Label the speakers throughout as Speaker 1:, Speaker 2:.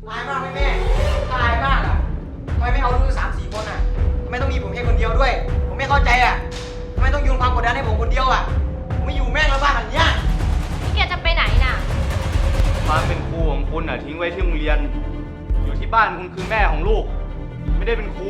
Speaker 1: อายมากไหมแม่อายมากอ่ะทำไมไม่เอาลูก3-4 คนอ่ะทำไมต้องมีผมแค่คนเดียวด้วย ผมไม่เข้าใจอ่ะทำไมต้องโยนความกดดันให้ผมคนเดียวอ่ะผมไม่อยู่แม่งแล้วบ้านหลังเนี้ย
Speaker 2: นี่แกจะไปไหนน่ะ
Speaker 3: ความเป็นครูของคุณอ่ะทิ้งไว้ที่โรงเรียน อยู่ที่บ้านคุณคือแม่ของลูก ไม่ได้เป็นครู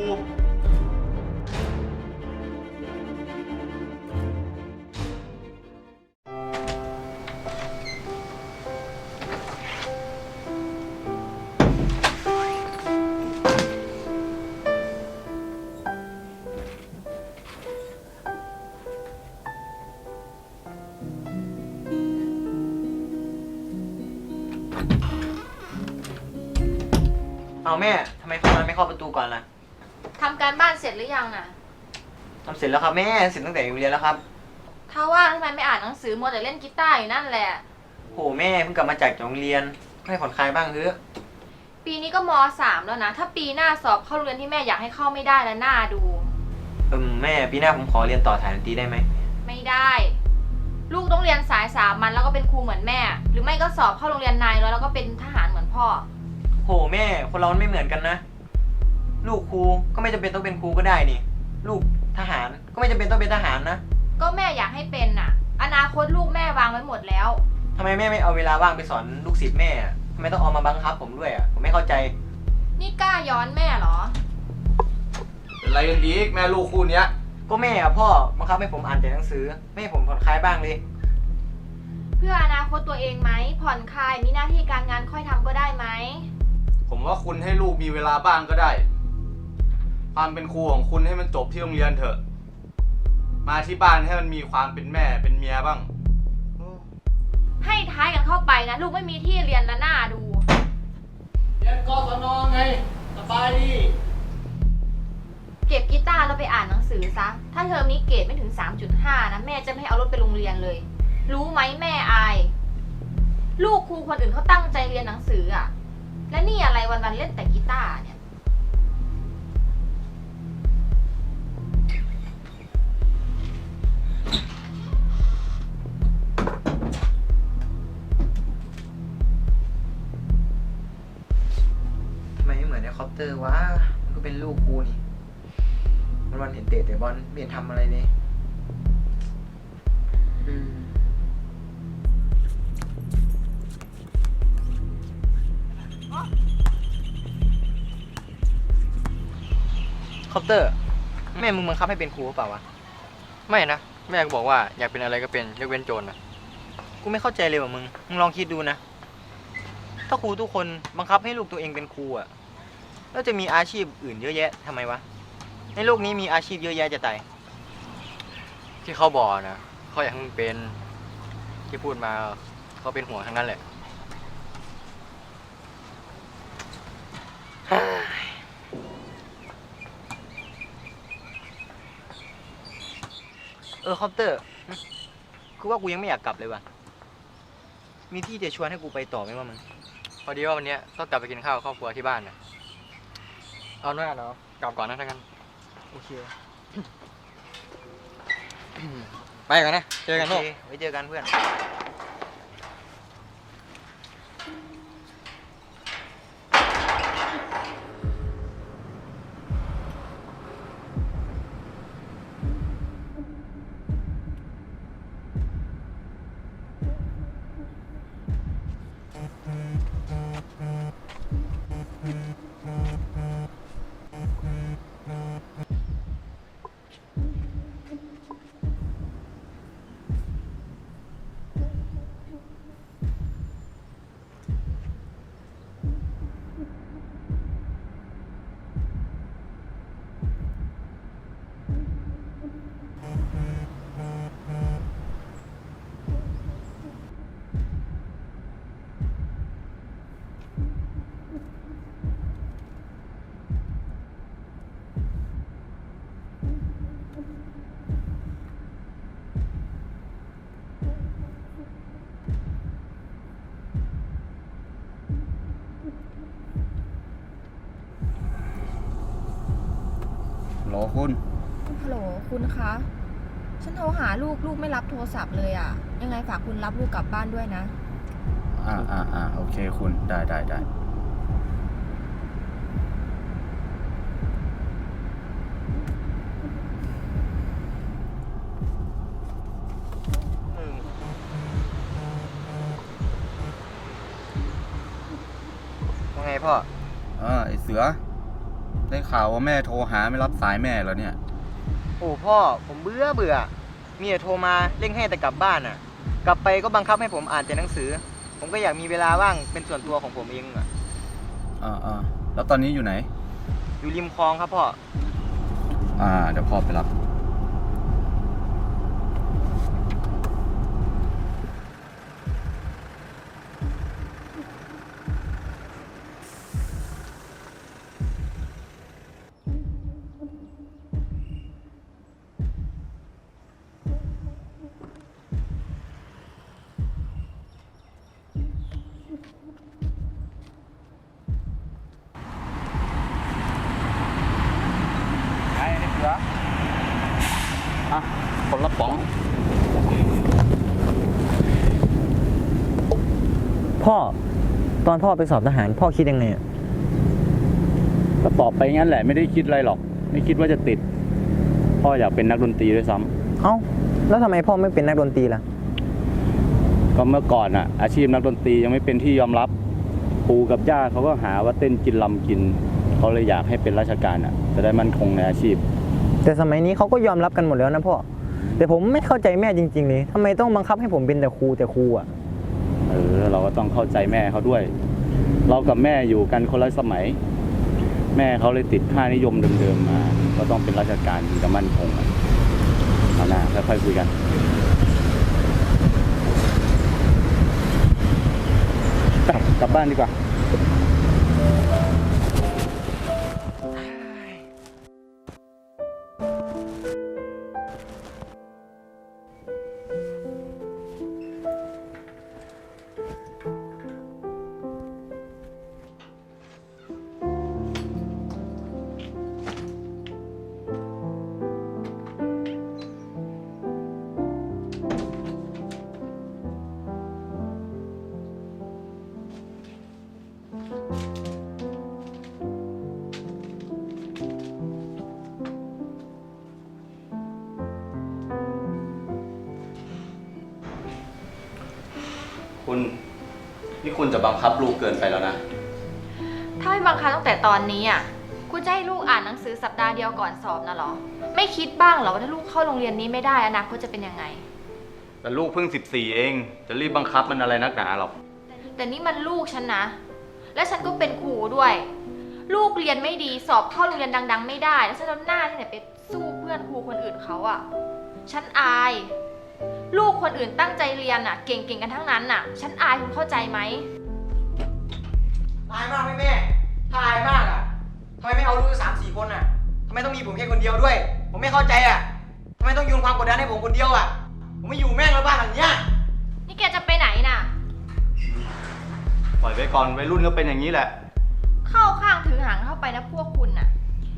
Speaker 1: เอาแม่ทำไมเข้ามาไม่เข้าประตูก่อนล่ะ
Speaker 2: ทำการบ้านเสร็จหรือยังน่ะ
Speaker 1: ทำเสร็จแล้วครับแม่เสร็จตั้งแต่อยู่เรียนแล้วครับ
Speaker 2: ถ้าว่างทำไมไม่อ่านหนังสือมัวแต่เล่นกีตาร์อยู่นั่นแหละ
Speaker 1: โหแม่เพิ่งกลับมาจากโรงเรียนให้ผ่อนคลายบ้างเถอะ
Speaker 2: ปีนี้ก็ม.3 แล้วนะ ถ้าปีหน้าสอบเข้าโรงเรียนที่แม่อยากให้เข้าไม่ได้แล้วหน้าดู
Speaker 1: แม่ปีหน้าผมขอเรียนต่อถ่ายดนตรีได้ไหม
Speaker 2: ไม่ได้ ลูกต้องเรียนสาย3 วันแล้วก็เป็นครูเหมือนแม่ หรือไม่ก็สอบเข้าโรงเรียนนายร้อยแล้วก็เป็นทหารเหมือนพ่อ
Speaker 1: โหแม่คนเรามันไม่เหมือนกันนะ ลูกครูก็ไม่จำเป็นต้องเป็นครูก็ได้นี่ ลูกทหารก็ไม่จำเป็นต้องเป็นทหารนะ
Speaker 2: ก็แม่อยากให้เป็นน่ะ อนาคตลูกแม่วางไว้หมดแล้ว
Speaker 1: ทำไมแม่ไม่เอาเวลาว่างไปสอนลูกศิษย์แม่อะทำไมต้องเอามาบังคับผมด้วยอ่ะผมไม่เข้าใจ
Speaker 2: นี่กล้าย้อนแม่เหรอ
Speaker 3: เป็นไรกันอีกแม่ลูกคู่เนี้ย
Speaker 1: ก็แม่อะพ่อบังคับให้ผมอ่านแต่หนังสือไม่ให้ผมผ่อนคลายบ้างเลย
Speaker 2: เพื่ออนาคตตัวเองไหมผ่อนคลายมีหน้าที่การงานค่อยทำก็ได้ไหม
Speaker 3: ผมว่าคุณให้ลูกมีเวลาบ้างก็ได้ ความเป็นครูของคุณให้มันจบที่โรงเรียนเถอะ มาที่บ้านให้มันมีความเป็นแม่เป็นเมียบ้าง
Speaker 2: ให้ท้ายกันเข้าไปนะลูกไม่มีที่เรียนและหน้าดู
Speaker 1: เรียนกศนไงสบายดี
Speaker 2: เก็บกีตาร์แล้วไปอ่านหนังสือซะ ถ้าเทอมนี้เกรดไม่ถึง 3.5 นะแม่จะไม่ให้เอารถไปโรงเรียนเลย รู้ไหมแม่อาย ลูกครูคนอื่นเขาตั้งใจเรียนหนังสืออะและนี่อะไรวันๆเล่นแต่กีตาร์เนี่ย
Speaker 1: ทำไมไม่เหมือนในคอปเตอร์วะมันก็เป็นลูกครูนี่วันเห็นเตะแต่บอลไม่เห็นทำอะไรเลยคอปเตอร์แม่มึงบังคับให้เป็นครูหรือเปล่าวะ
Speaker 4: ไม่นะแม่ก็บอกว่าอยากเป็นอะไรก็เป็นยกเว้นโจรนะ
Speaker 1: กูไม่เข้าใจเลยว่ะมึงลองคิดดูนะถ้าครูทุกคนบังคับให้ลูกตัวเองเป็นครูอะแล้วจะมีอาชีพอื่นเยอะแยะทำไมวะในโลกนี้มีอาชีพเยอะแยะจะตาย
Speaker 4: ที่เขาบอกนะเขาอยากให้มึงเป็นที่พูดมาเขาเป็นห่วงทั้งนั้นแหละ
Speaker 1: คอปเตอร์กูว่ากูยังไม่อยากกลับเลยว่ะมีที่จะชวนให้กูไปต่อไหมวะมึง
Speaker 4: พอดีว่าวันเนี้ยต้องกลับไปกินข้าวครอบครัวที่บ้านนะเอาหน้าเนาะกลับก่อนนะทั้งนั้น
Speaker 1: โอเค
Speaker 4: ไปก่อนนะเจอกัน
Speaker 1: โอ
Speaker 4: ลูก
Speaker 1: เคไว้เจอกันเพื่อน
Speaker 3: โหลคุณ
Speaker 5: ฮัลโหลคุณคะ ฉันโทรหาลูกไม่รับโทรศัพท์เลยอ่ะ ยังไงฝากคุณรับลูกกลับบ้านด้วยนะ
Speaker 3: โอเคคุณได้
Speaker 1: ว่าไงพ่อ
Speaker 3: ไอเสือ ได้ข่าวว่าแม่โทรหาไม่รับสายแม่แล้วเนี่ย
Speaker 1: โอ้พ่อผมเบื่อมีแต่โทรมาเร่งให้แต่กลับบ้านอ่ะ กลับไปก็บังคับให้ผมอ่านแต่หนังสือ ผมก็อยากมีเวลาว่างเป็นส่วนตัวของผมเองอ่ะ
Speaker 3: แล้วตอนนี้อยู่ไหน
Speaker 1: อยู่ริมคลองครับพ่อ
Speaker 3: เดี๋ยวพ่อไปรับ ไอ้เสือคนละป๋อง
Speaker 1: พ่อตอนพ่อไปสอบทหารพ่อคิดยังไงอ่ะ
Speaker 6: ก็ตอบไปงั้นแหละไม่ได้คิดอะไรหรอก ไม่คิดว่าจะติด พ่ออยากเป็นนักดนตรีด้วยซ้ำ
Speaker 1: เอ้าแล้วทำไมพ่อไม่เป็นนักดนตรีล่ะ
Speaker 6: ก็เมื่อก่อนอ่ะ อาชีพนักดนตรียังไม่เป็นที่ยอมรับปู่กับย่าเขาก็หาว่าเต้นกินลำกินเขาเลยอยากให้เป็นราชการอ่ะจะได้มั่นคงในอาชีพ
Speaker 1: แต่สมัยนี้เขาก็ยอมรับกันหมดแล้วนะพ่อแต่ผมไม่เข้าใจแม่จริงๆเลยทำไมต้องบังคับให้ผมเป็นแต่ครูอ่ะ
Speaker 6: เราก็ต้องเข้าใจแม่เขาด้วย เรากับแม่อยู่กันคนละสมัย แม่เขาเลยติดค่านิยมเดิมๆมาก็ต้องเป็นราชการถึงจะมั่นคงอ่ะเอาหน้าค่อยๆคุยกันไปกลับบ้านดีกว่า
Speaker 3: นี่คุณจะบังคับลูกเกินไปแล้วนะ
Speaker 2: ถ้าไม่บังคับตั้งแต่ตอนนี้อ่ะคุณจะให้ลูกอ่านหนังสือสัปดาห์เดียวก่อนสอบนะเหรอ ไม่คิดบ้างเหรอว่าถ้าลูกเข้าโรงเรียนนี้ไม่ได้อนาคตจะเป็นยังไง
Speaker 3: แต่ลูกเพิ่ง14เอง จะรีบบังคับมันอะไรนักหนาหรอก
Speaker 2: แต่นี่มันลูกฉันนะ และฉันก็เป็นครูด้วย ลูกเรียนไม่ดีสอบเข้าโรงเรียนดัง ๆ ไม่ได้ แล้วฉันเอาหน้าที่ไหนไปสู้เพื่อนครูคนอื่นเขาอ่ะ ฉันอาย ลูกคนอื่นตั้งใจเรียนอ่ะ เก่งๆกันทั้งนั้นอ่ะ ฉันอายคุณเข้าใจไหม
Speaker 1: อายมากไหมแม่ ถ้าอายมากอ่ะทำไมไม่เอาลูก3-4 คนอ่ะทำไมต้องมีผมแค่คนเดียวด้วย ผมไม่เข้าใจอ่ะทำไมต้องโยนความกดดันให้ผมคนเดียวอ่ะ ผมไม่อยู่แม่งแล้วบ้านหลังเนี้ย
Speaker 2: นี่แกจะไปไหนน่ะ
Speaker 3: ปล่อยไว้ก่อนวัยรุ่นก็เป็นอย่างนี้แหละ
Speaker 2: เข้าข้างถือหางเข้าไปนะพวกคุณน่ะ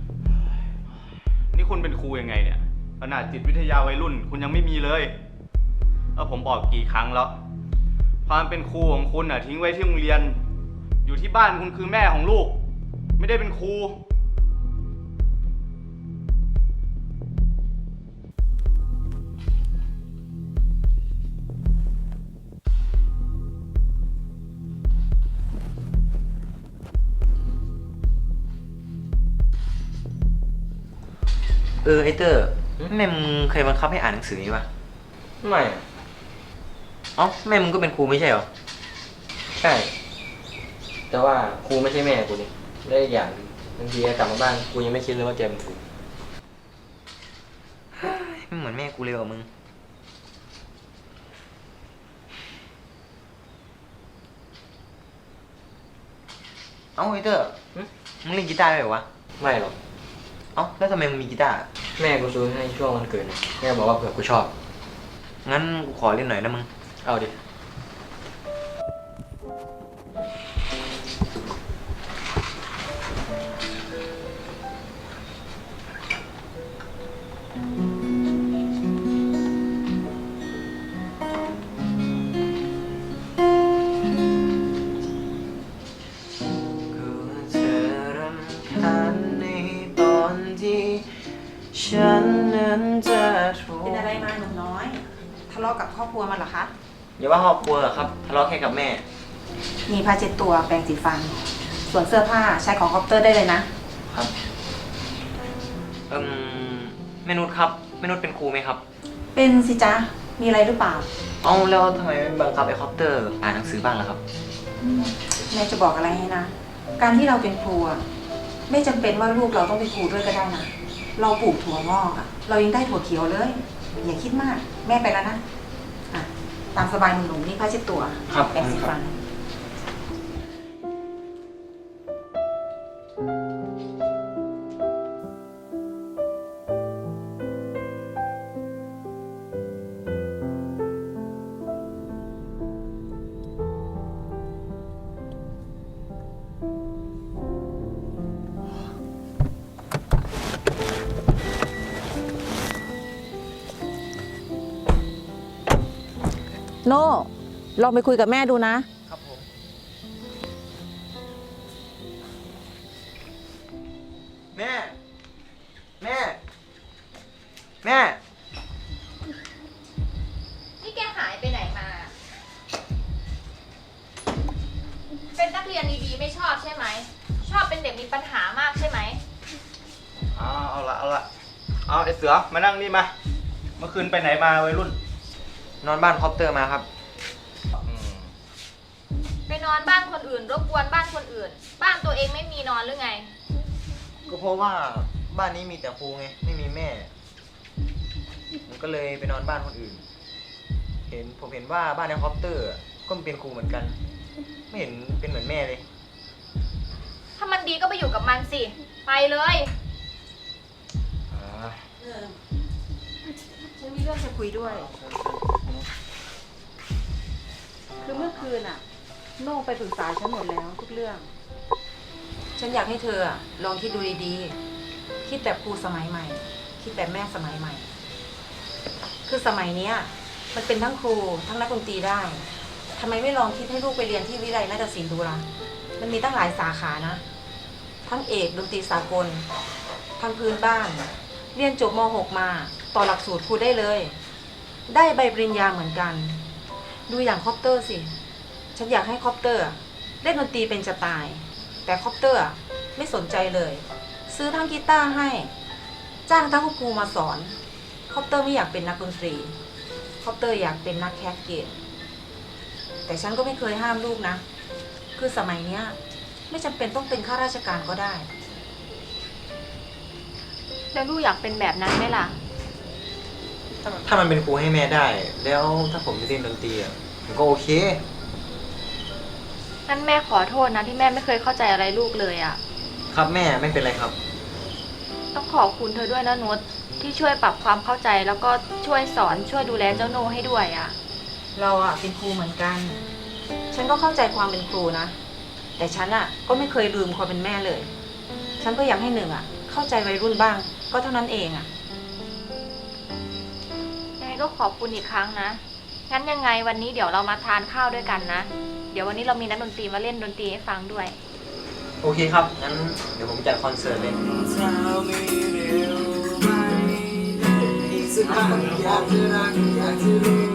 Speaker 3: นี่คุณเป็นครูยังไงเนี่ย ขนาดจิตวิทยาวัยรุ่น คุณยังไม่มีเลยผมบอกกี่ครั้งแล้ว ความเป็นครูของคุณอ่ะทิ้งไว้ที่โรงเรียน อยู่ที่บ้านคุณคือแม่ของลูก ไม่ได้เป็นครู
Speaker 1: ไอเตอร์แม่มึงเคยบังคับให้อ่านหนังสือนี้ปะ
Speaker 4: ไม่
Speaker 1: เอ้าแม่มึงก็เป็นครูไม่ใช่เหรอ
Speaker 4: ใช่ แต่ว่าครูไม่ใช่แม่กูนี่ได้อีกอย่างบางทีกลับมาบ้านกูยังไม่คิดเลยว่าแกเป็นครู
Speaker 1: ไม่เหมือนแม่กูเลยว่ะมึง เอ้าไอเตอร์มึงเล่นกีตาร์ได้เหรอวะ
Speaker 4: ไม่หรอก
Speaker 1: เอ้าแล้วทำไมมึงมีกีตาร์
Speaker 4: แม่กูซื้อให้ช่วงวันเกิดนะแม่บอกว่าเผื่อกูชอบ
Speaker 1: งั้นกูขอเล่นหน่อยนะมึง
Speaker 4: เอาดิ
Speaker 1: ฉันนั้นจะถูก
Speaker 7: เป็นอะไรมาหนุ่มน้อย ทะเลาะกับครอบครัวมาเหรอคะ
Speaker 1: อย่าว่าครอบครัวครับทะเลาะแค่กับแม่
Speaker 7: มีผ้าเช็ดตัวแปรงสีฟันส่วนเสื้อผ้าใช้ของคอปเตอร์ได้เลยนะ
Speaker 1: ครับแม่นุชครับแม่นุชเป็นครูไหมครับ
Speaker 7: เป็นสิจ๊ะ มีอะไรหรือเปล่า
Speaker 1: เอาแล้วทำไมไม่บังคับไอ้คอปเตอร์อ่านหนังสือบ้างล่ะครับ
Speaker 7: แม่จะบอกอะไรให้นะ การที่เราเป็นครูอะไม่จำเป็นว่าลูกเราต้องเป็นครูด้วยก็ได้นะ เราปลูกถั่วงอกอะเรายังได้ถั่วเขียวเลย อย่าคิดมาก แม่ไปแล้วนะอ่ะตามสบายหนุ่มๆนี่ผ้าเช็ดตัว
Speaker 1: ครับ
Speaker 7: แปรงสีฟัน โน่ลองไปคุยกับแม่ดูนะ
Speaker 1: ครับผม แม่ แม่ แม่
Speaker 2: นี่แกหายไปไหนมา เป็นนักเรียนดีๆไม่ชอบใช่ไหม ชอบเป็นเด็กมีปัญหามากใช่ไหม
Speaker 3: เอาละเอาไอเสือมานั่งนี่มา เมื่อคืนไปไหนมาวัยรุ่น
Speaker 1: นอนบ้านคอปเตอร์มาครับ
Speaker 2: ไปนอนบ้านคนอื่น รบกวนบ้านคนอื่น บ้านตัวเองไม่มีนอนหรือไง
Speaker 1: ก็เพราะว่าบ้านนี้มีแต่ครูไง ไม่มีแม่ ผมก็เลยไปนอนบ้านคนอื่น ผมเห็นว่าบ้านในคอปเตอร์ก็เป็นครูเหมือนกัน ไม่เห็นเป็นเหมือนแม่เลย
Speaker 2: ถ้ามันดีก็ไปอยู่กับมันสิ ไปเลย
Speaker 7: ฉันมีเรื่องจะคุยด้วย คือเมื่อคืนอะโน่ไปปรึกษาฉันหมดแล้วทุกเรื่อง ฉันอยากให้เธออะลองคิดดูดีๆ คิดแบบครูสมัยใหม่ คิดแบบแม่สมัยใหม่ คือสมัยเนี้ยมันเป็นทั้งครูทั้งนักดนตรีได้ ทำไมไม่ลองคิดให้ลูกไปเรียนที่วิไลนาฏศิลป์ดูล่ะ มันมีตั้งหลายสาขานะ ทั้งเอกดนตรีสากล ทั้งพื้นบ้าน เรียนจบม .6 มาต่อหลักสูตรครูได้เลย ได้ใบปริญญาเหมือนกัน ดูอย่างคอปเตอร์สิ ฉันอยากให้คอปเตอร์เล่นดนตรีเป็นจะตาย แต่คอปเตอร์ไม่สนใจเลย ซื้อทั้งกีตาร์ให้ จ้างทั้งครูมาสอน คอปเตอร์ไม่อยากเป็นนักดนตรี คอปเตอร์อยากเป็นนักแคสเกต แต่ฉันก็ไม่เคยห้ามลูกนะ คือสมัยเนี้ยไม่จำเป็นต้องเป็นข้าราชการก็ได้
Speaker 2: แล้วลูกอยากเป็นแบบนั้นไหมล่ะ
Speaker 1: ถ้ามันเป็นครูให้แม่ได้ แล้วถ้าผมจะเล่นดนตรีอ่ะผมก็โอเค
Speaker 2: นั่นแม่ขอโทษนะที่แม่ไม่เคยเข้าใจอะไรลูกเลยอะ
Speaker 1: ครับแม่ไม่เป็นไรครับ
Speaker 2: ต้องขอบคุณเธอด้วยนะนุชที่ช่วยปรับความเข้าใจแล้วก็ช่วยสอนช่วยดูแลเจ้าโนให้ด้วยอะ
Speaker 7: เราอะเป็นครูเหมือนกัน ฉันก็เข้าใจความเป็นครูนะ แต่ฉันอะก็ไม่เคยลืมความเป็นแม่เลย ฉันก็อยากให้หนึ่งอะเข้าใจวัยรุ่นบ้าง ก็เท่านั้นเองอะ
Speaker 2: ยังไงก็ขอบคุณอีกครั้งนะ งั้นยังไงวันนี้เดี๋ยวเรามาทานข้าวด้วยกันนะ เดี๋ยววันนี้เรามีนักดนตรีมาเล่นดนตรีให้ฟังด้วย
Speaker 1: โอเคครับ งั้นเดี๋ยวผมจัดคอนเสิร์ตเลย
Speaker 8: สักครั้งอยากจะรักอยากจะรู้